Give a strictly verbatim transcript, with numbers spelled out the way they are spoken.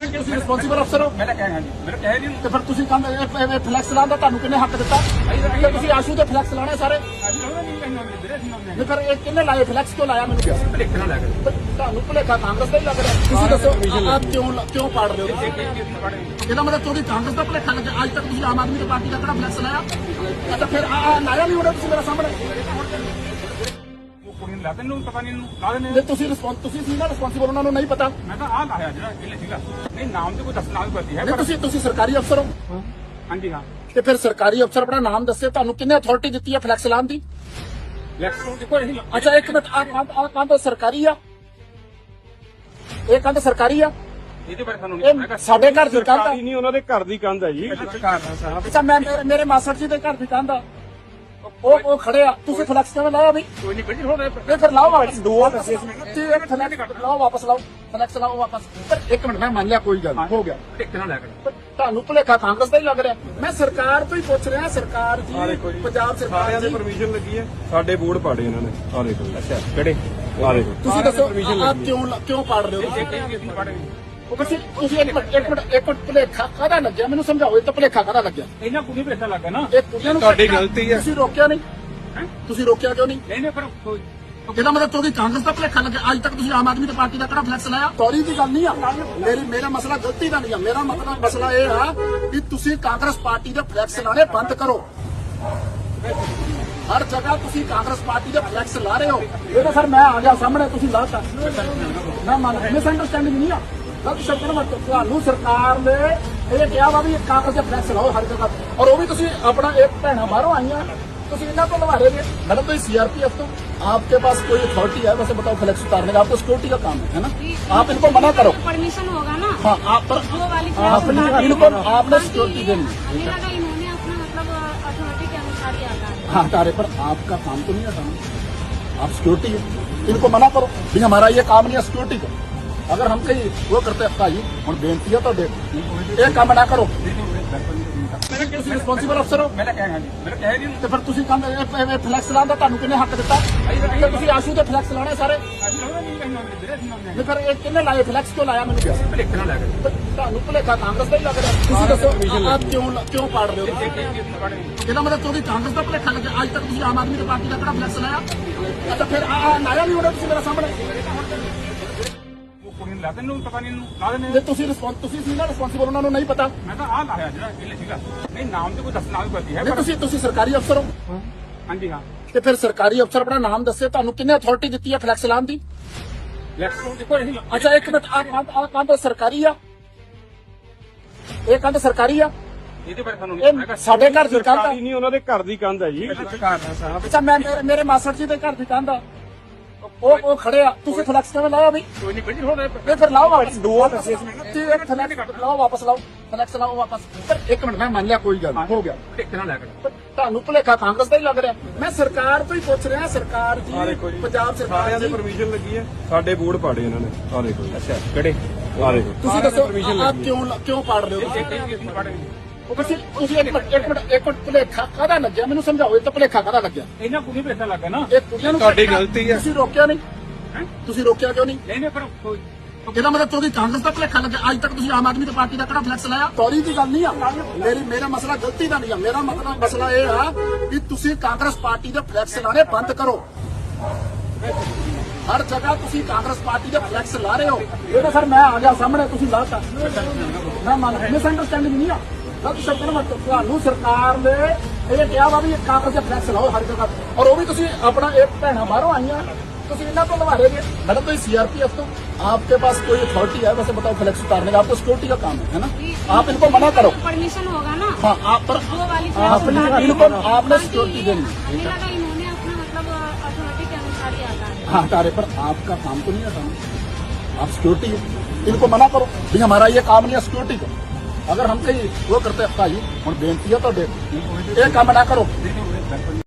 ਤੁਸੀਂ ਰਿਸਪੌਂਸਿਬਲ ਅਫਸਰ ਹੋ। ਮੈਂ ਤਾਂ ਕਹਿ ਹਾਂ ਜੀ ਮੇਰੇ ਕਹਿ ਨਹੀਂ ਤੇ ਫਿਰ ਤੁਸੀਂ ਕਹਿੰਦੇ ਫਲੈਕਸ ਲਾਉਣ ਦਾ ਤੁਹਾਨੂੰ ਕਿੰਨੇ ਹੱਕ ਦਿੱਤਾ? ਤੇ ਤੁਸੀਂ ਆਸ਼ੂ ਦੇ ਫਲੈਕਸ ਲਾਣੇ ਸਾਰੇ। ਨਹੀਂ ਫਿਰ ਇਹ ਕਿੰਨੇ ਲਾਏ ਫਲੈਕਸ ਕਿਉਂ ਲਾਇਆ ਮੈਨੂੰ ਕਿਹਾ? ਭਲੇਖੇ ਨਾਲ ਲੱਗ ਤੇ ਤੁਹਾਨੂੰ ਭੁਲੇਖਾ ਕਾਂਗਰਸ ਦਾ ਹੀ ਲੱਗ ਰਿਹਾ। ਤੁਸੀਂ ਦੱਸੋ ਆਪ ਕਿਉਂ ਕਿਉਂ ਪਾੜ ਰਹੇ ਹੋ? ਇਹਦਾ ਮਤਲਬ ਤੁਹਾਡੀ ਕਾਂਗਰਸ ਦਾ ਭੁਲੇਖਾ ਲੱਗਿਆ। ਅੱਜ ਤੱਕ ਤੁਸੀਂ ਆਮ ਆਦਮੀ ਪਾਰਟੀ ਦਾ ਕਿਹੜਾ ਫਲੈਕਸ ਲਾਇਆ? ਅੱਛਾ ਫਿਰ ਆ ਲਾਇਆ ਨਹੀਂ ਹੋਣਾ ਤੁਸੀਂ ਮੇਰੇ ਸਾਹਮਣੇ। ਕੁੜੀ ਨੂੰ ਲਾ ਦੇ ਨੂੰ ਪਤਾ ਨਹੀਂ ਇਹਨੂੰ ਲਾ ਦੇ ਜੇ ਤੁਸੀਂ ਰਿਸਪੌਂਸ ਤੁਸੀਂ ਸੀ ਨਾ ਰਿਸਪੌਂਸਿਬਲ ਉਹਨਾਂ ਨੂੰ ਨਹੀਂ ਪਤਾ। ਮੈਂ ਤਾਂ ਆਹ ਲਾਇਆ ਜਿਹੜਾ ਇਹ ਸੀਗਾ ਨਹੀਂ ਨਾਮ ਤੇ ਕੋਈ ਦੱਸਣਾ ਵੀ ਪੜਦੀ ਹੈ ਨਹੀਂ ਤੁਸੀਂ ਤੁਸੀਂ ਸਰਕਾਰੀ ਅਫਸਰ ਹੋ। ਹਾਂਜੀ ਹਾਂ ਤੇ ਫਿਰ ਸਰਕਾਰੀ ਅਫਸਰ ਆਪਣਾ ਨਾਮ ਦੱਸੇ। ਤੁਹਾਨੂੰ ਕਿੰਨੇ ਅਥਾਰਟੀ ਦਿੱਤੀ ਹੈ ਫਲੈਕਸ ਲਾਉਣ ਦੀ? ਲੈਕਸ ਦੇਖੋ ਇਹ ਅੱਛਾ ਇੱਕ ਮਿੰਟ ਆ ਕੰਧ ਆ ਕੰਧ ਸਰਕਾਰੀ ਆ? ਇਹ ਕੰਧ ਸਰਕਾਰੀ ਆ? ਇਹਦੇ ਬਾਰੇ ਤੁਹਾਨੂੰ ਇਹ ਸਾਡੇ ਘਰ ਦੀ ਕੰਧ ਆ? ਨਹੀਂ ਉਹਨਾਂ ਦੇ ਘਰ ਦੀ ਕੰਧ ਹੈ ਜੀ। ਅੱਛਾ ਮੈਂ ਮੇਰੇ- ਮੇਰੇ ਮਾਸੜ ਜੀ ਦੇ ਘਰ ਦੀ ਕੰਧ ਆ। ਉਹ ਉਹ ਖੜੇ ਆ ਤੁਸੀਂ ਫਲੈਕਸ ਕਿਵੇਂ ਲਾਇਆ ਵੀ? ਕੋਈ ਨਹੀਂ ਬਿਲਕੁਲ ਹੋ ਇਹ ਫਿਰ ਲਾਓ ਵਾਪਸ ਦੋ ਦੱਸੇ ਤੇ ਇੱਕ ਫਲੈਕਸ ਲਾਓ ਵਾਪਸ ਲਾਓ ਫਲੈਕਸ ਲਾਓ ਵਾਪਸ। ਪਰ ਇੱਕ ਮਿੰਟ ਮੈਂ ਮੰਨ ਲਿਆ ਕੋਈ ਗੱਲ ਨਹੀਂ, ਹੋ ਗਿਆ। ਭਲੇਖੇ ਨਾਲ ਲੱਗ ਪਰ ਤੁਹਾਨੂੰ ਭੁਲੇਖਾ ਕਾਂਗਰਸ ਦਾ ਹੀ ਲੱਗ ਰਿਹਾ। ਮੈਂ ਸਰਕਾਰ ਤੋਂ ਹੀ ਪੁੱਛ ਰਿਹਾ। ਸਰਕਾਰ ਜੀ ਪੰਜਾਬ ਸਰਕਾਰ ਸਾਰਿਆਂ ਦੇ ਜੀ ਪਰਮਿਸ਼ਨ ਲੱਗੀ ਹੈ। ਸਾਡੇ ਬੋਰਡ ਪਾੜੇ ਇਹਨਾਂ ਨੇ ਆ ਦੇਖੋ। ਅੱਛਾ ਕਿਹੜੇ ਆ ਦੇਖੋ ਤੁਸੀਂ ਦੱਸੋ ਆਪ ਕਿਉਂ ਕਿਉਂ ਪਾੜ ਰਹੇ ਹੋ? ਉਹ ਤੁਸੀਂ ਤੁਸੀਂ ਇੱਕ ਮਿੰਟ ਇੱਕ ਮਿੰਟ ਇੱਕ ਮਿੰਟ ਭੁਲੇਖਾ ਕਾਹਦਾ ਲੱਗਿਆ ਮੈਨੂੰ ਸਮਝਾਓ। ਇਹ ਤਾਂ ਭੁਲੇਖਾ ਕਾਹਦਾ ਲੱਗਿਆ? ਇਹਨਾਂ ਕੁੜੀ ਭਲੇਖਾ ਲੱਗਾ ਨਾ ਇਹ ਕੁੜੀਆਂ ਨੂੰ ਤੁਹਾਡੀ ਗਲਤੀ ਹੈ। ਤੁਸੀਂ ਰੋਕਿਆ ਨਹੀਂ। ਤੁਸੀਂ ਰੋਕਿਆ ਕਿਉਂ ਨਹੀਂ? ਨਹੀਂ ਨਹੀਂ ਪਰ ਕੋਈ ਇਹਦਾ ਮਤਲਬ ਤੁਹਾਡੀ ਕਾਂਗਰਸ ਦਾ ਭੁਲੇਖਾ ਲੱਗਿਆ। ਅੱਜ ਤੱਕ ਤੁਸੀਂ ਆਮ ਆਦਮੀ ਦੀ ਪਾਰਟੀ ਦਾ ਕਿਹੜਾ ਫਲੈਕਸ ਲਾਇਆ? ਸੌਰੀ ਦੀ ਗੱਲ ਨਹੀਂ ਆ ਮੇਰੀ। ਮੇਰਾ ਮਸਲਾ ਗਲਤੀ ਦਾ ਨਹੀਂ ਆ। ਮੇਰਾ ਮਤਲਬ ਮਸਲਾ ਇਹ ਆ ਕਿ ਤੁਸੀਂ ਕਾਂਗਰਸ ਪਾਰਟੀ ਦੇ ਫਲੈਕਸ ਲਾਣੇ ਬੰਦ ਕਰੋ। ਹਰ ਜਗ੍ਹਾ ਤੁਸੀਂ ਕਾਂਗਰਸ ਪਾਰਟੀ ਦੇ ਫਲੈਕਸ ਲਾ ਰਹੇ ਹੋ। ਇਹ ਤਾਂ ਸਰ ਮੈਂ ਆ ਗਿਆ ਸਾਹਮਣੇ ਤੁਸੀਂ ਲਾਤਾ। ਮੈਂ ਮੰਨ ਮਿਸ ਅੰਡਰਸਟੈਂਡਿੰਗ ਨਹੀਂ ਆ। ਗਲਤ ਸ਼ਬਦ ਨਾ ਵਰਤੋ। ਤੁਹਾਨੂੰ ਸਰਕਾਰ ਨੇ ਇਹ ਕਿਹਾ ਵਾ ਵੀ ਇਹ ਕਾਂਗਰਸ ਦੇ ਫਲੈਕਸ ਲਾਓ ਹਰ ਜਗ੍ਹਾ ਔਰ ਉਹ ਵੀ ਤੁਸੀਂ ਆਪਣਾ ਇੱਕ ਭੈਣਾ ਬਾਹਰੋਂ ਆਈਆਂ ਤੁਸੀਂ इतना तो लगा रहे थे। मैडम तो सीआरपीएफ तो आपके पास कोई अथॉरिटी है वैसे बताओ फ्लैक्स उतारने का? आपको सिक्योरिटी का काम है ना। आप इनको मना करो। परमिशन होगा ना। हाँ आप पर वो वाली आपने इनको आपने सिक्योरिटी देनी हमें लगा इन्होंने अपना मतलब अथॉरिटी के अनुसार ही आता है। हाँ तारे पर आपका काम तो नहीं है काम। आप सिक्योरिटी है इनको मना करो भी हमारा ये काम नहीं है सिक्योरिटी का। अगर हम कहीं वो करते भाई और बेनती है तो देख एक काम ना करो। ਤੁਸੀਂ ਰਿਸਪੌਂਸਿਬਲ ਅਫਸਰ ਹੋ। ਮੈਂ ਤਾਂ ਕਹਿ ਹਾਂ ਜੀ ਮੇਰੇ ਕਹਿ ਨਹੀਂ ਤੇ ਫਿਰ ਤੁਸੀਂ ਕਹਿੰਦੇ ਫਲੈਕਸ ਲਾਉਣ ਦਾ ਤੁਹਾਨੂੰ ਕਿੰਨੇ ਹੱਕ ਦਿੱਤਾ? ਤੇ ਤੁਸੀਂ ਆਸ਼ੂ ਦੇ ਫਲੈਕਸ ਲਾਣੇ ਸਾਰੇ। ਨਹੀਂ ਫਿਰ ਇਹ ਕਿੰਨੇ ਲਾਏ ਫਲੈਕਸ ਕਿਉਂ ਲਾਇਆ ਮੈਨੂੰ ਕਿਹਾ? ਭਲੇਖੇ ਨਾਲ ਲੱਗ ਤੇ ਤੁਹਾਨੂੰ ਭੁਲੇਖਾ ਕਾਂਗਰਸ ਦਾ ਹੀ ਲੱਗ ਰਿਹਾ। ਤੁਸੀਂ ਦੱਸੋ ਆਪ ਕਿਉਂ ਕਿਉਂ ਪਾੜ ਰਹੇ ਹੋ? ਇਹਦਾ ਮਤਲਬ ਤੁਹਾਡੀ ਕਾਂਗਰਸ ਦਾ ਭੁਲੇਖਾ ਲੱਗਿਆ। ਅੱਜ ਤੱਕ ਤੁਸੀਂ ਆਮ ਆਦਮੀ ਦੀ ਪਾਰਟੀ ਦਾ ਕਿਹੜਾ ਫਲੈਕਸ ਲਾਇਆ? ਅੱਛਾ ਫਿਰ ਆ ਲਾਇਆ ਨਹੀਂ ਹੋਣਾ ਤੁਸੀਂ ਮੇਰੇ ਸਾਹਮਣੇ। ਕੁੜੀ ਨੂੰ ਲਾ ਦੇ ਨੂੰ ਪਤਾ ਨਹੀਂ ਇਹਨੂੰ ਲਾ ਦੇ ਜੇ ਤੁਸੀਂ ਰਿਸਪੌਂਸ ਤੁਸੀਂ ਸੀ ਨਾ ਰਿਸਪੌਂਸਿਬਲ ਉਹਨਾਂ ਨੂੰ ਨਹੀਂ ਪਤਾ। ਮੈਂ ਤਾਂ ਆਹ ਲਾਇਆ ਜਿਹੜਾ ਇਹ ਸੀਗਾ ਨਹੀਂ ਨਾਮ ਤੇ ਕੋਈ ਦੱਸਣਾ ਵੀ ਪੜਦੀ ਹੈ ਨਹੀਂ ਤੁਸੀਂ ਤੁਸੀਂ ਸਰਕਾਰੀ ਅਫਸਰ ਹੋ। ਹਾਂਜੀ ਹਾਂ ਤੇ ਫਿਰ ਸਰਕਾਰੀ ਅਫਸਰ ਆਪਣਾ ਨਾਮ ਦੱਸੇ। ਤੁਹਾਨੂੰ ਕਿੰਨੇ ਅਥਾਰਟੀ ਦਿੱਤੀ ਹੈ ਫਲੈਕਸ ਲਾਉਣ ਦੀ? ਲੈਕਸ ਦੇਖੋ ਇਹ ਅੱਛਾ ਇੱਕ ਮਿੰਟ ਆ ਕੰਧ ਆ ਕੰਧ ਸਰਕਾਰੀ ਆ? ਇਹ ਕੰਧ ਸਰਕਾਰੀ ਆ? ਇਹਦੇ ਬਾਰੇ ਤੁਹਾਨੂੰ ਇਹ ਸਾਡੇ ਘਰ ਦੀ ਕੰਧ ਆ? ਨਹੀਂ ਉਹਨਾਂ ਦੇ ਘਰ ਦੀ ਕੰਧ ਹੈ ਜੀ। ਅੱਛਾ ਮੈਂ ਮੇਰੇ- ਮੇਰੇ ਮਾਸੜ ਜੀ ਦੇ ਘਰ ਦੀ ਕੰਧ ਆ। ਉਹ ਉਹ ਖੜੇ ਆ ਤੁਸੀਂ ਫਲੈਕਸ ਕਿਵੇਂ ਲਾਇਆ ਵੀ? ਕੋਈ ਨਹੀਂ ਬਿਲਕੁਲ ਹੋ ਇਹ ਫਿਰ ਲਾਓ ਵਾਪਸ ਦੋ ਦੱਸੇ ਤੇ ਇੱਕ ਫਲੈਕਸ ਲਾਓ ਵਾਪਸ ਲਾਓ ਫਲੈਕਸ ਲਾਓ ਵਾਪਸ। ਪਰ ਇੱਕ ਮਿੰਟ ਮੈਂ ਮੰਨ ਲਿਆ ਕੋਈ ਗੱਲ ਨਹੀਂ, ਹੋ ਗਿਆ। ਭਲੇਖੇ ਨਾਲ ਲੱਗ ਪਰ ਤੁਹਾਨੂੰ ਭੁਲੇਖਾ ਕਾਂਗਰਸ ਦਾ ਹੀ ਲੱਗ ਰਿਹਾ। ਮੈਂ ਸਰਕਾਰ ਤੋਂ ਹੀ ਪੁੱਛ ਰਿਹਾ। ਸਰਕਾਰ ਜੀ ਪੰਜਾਬ ਸਰਕਾਰ ਸਾਰਿਆਂ ਦੇ ਜੀ ਪਰਮਿਸ਼ਨ ਲੱਗੀ ਹੈ। ਸਾਡੇ ਬੋਰਡ ਪਾੜੇ ਇਹਨਾਂ ਨੇ ਆ ਦੇਖੋ। ਅੱਛਾ ਕਿਹੜੇ ਆ ਦੇਖੋ ਤੁਸੀਂ ਦੱਸੋ ਆਪ ਕਿਉਂ ਕਿਉਂ ਪਾੜ ਰਹੇ ਹੋ? ਉਹ ਤੁਸੀਂ ਤੁਸੀਂ ਇੱਕ ਮਿੰਟ ਇੱਕ ਮਿੰਟ ਇੱਕ ਮਿੰਟ ਭੁਲੇਖਾ ਕਾਹਦਾ ਲੱਗਿਆ ਮੈਨੂੰ ਸਮਝਾਓ। ਇਹ ਤਾਂ ਭੁਲੇਖਾ ਕਾਹਦਾ ਲੱਗਿਆ? ਇਹਨਾਂ ਕੁੜੀ ਭਲੇਖਾ ਲੱਗਾ ਨਾ ਇਹ ਕੁੜੀਆਂ ਨੂੰ ਤੁਹਾਡੀ ਗਲਤੀ ਹੈ। ਤੁਸੀਂ ਰੋਕਿਆ ਨਹੀਂ। ਤੁਸੀਂ ਰੋਕਿਆ ਕਿਉਂ ਨਹੀਂ? ਨਹੀਂ ਨਹੀਂ ਪਰ ਕੋਈ ਇਹਦਾ ਮਤਲਬ ਤੁਹਾਡੀ ਕਾਂਗਰਸ ਦਾ ਭੁਲੇਖਾ ਲੱਗਿਆ। ਅੱਜ ਤੱਕ ਤੁਸੀਂ ਆਮ ਆਦਮੀ ਦੀ ਪਾਰਟੀ ਦਾ ਕਿਹੜਾ ਫਲੈਕਸ ਲਾਇਆ? ਸੌਰੀ ਦੀ ਗੱਲ ਨਹੀਂ ਆ ਮੇਰੀ। ਮੇਰਾ ਮਸਲਾ ਗਲਤੀ ਦਾ ਨਹੀਂ ਆ। ਮੇਰਾ ਮਤਲਬ ਮਸਲਾ ਇਹ ਆ ਕਿ ਤੁਸੀਂ ਕਾਂਗਰਸ ਪਾਰਟੀ ਦੇ ਫਲੈਕਸ ਲਾਣੇ ਬੰਦ ਕਰੋ। ਹਰ ਜਗ੍ਹਾ ਤੁਸੀਂ ਕਾਂਗਰਸ ਪਾਰਟੀ ਦੇ ਫਲੈਕਸ ਲਾ ਰਹੇ ਹੋ। ਇਹ ਤਾਂ ਸਰ ਮੈਂ ਆ ਗਿਆ ਸਾਹਮਣੇ ਤੁਸੀਂ ਲਾਤਾ। ਮੈਂ ਮੰਨ ਮਿਸ ਅੰਡਰਸਟੈਂਡਿੰਗ ਨਹੀਂ ਆ। ਗਲਤ ਸ਼ਬਦ ਨਾ ਵਰਤੋ। ਤੁਹਾਨੂੰ ਸਰਕਾਰ ਨੇ ਇਹ ਕਿਹਾ ਵਾ ਵੀ ਇਹ ਕਾਂਗਰਸ ਦੇ ਫਲੈਕਸ ਲਾਓ ਹਰ ਜਗ੍ਹਾ ਔਰ ਉਹ ਵੀ ਤੁਸੀਂ ਆਪਣਾ ਇੱਕ ਭੈਣਾ ਬਾਹਰੋਂ आइया ਤੁਸੀਂ इतना तो लगा रहे थे। मैडम तो सीआरपीएफ तो आपके पास कोई अथॉरिटी है वैसे बताओ फ्लैक्स उतारने का? आपको सिक्योरिटी का काम है ना। आप इनको मना करो। परमिशन होगा ना। हाँ आप पर वो वाली आपने इनको आपने सिक्योरिटी देनी। हमें लगा इन्होंने अपना मतलब अथॉरिटी के अनुसार ही आता है। हाँ तारे पर आपका काम तो नहीं है काम। आप सिक्योरिटी है इनको मना करो भी हमारा ये काम नहीं है सिक्योरिटी का। अगर हम कहीं वो करते भाई और बेनती है तो देख एक काम ना करो।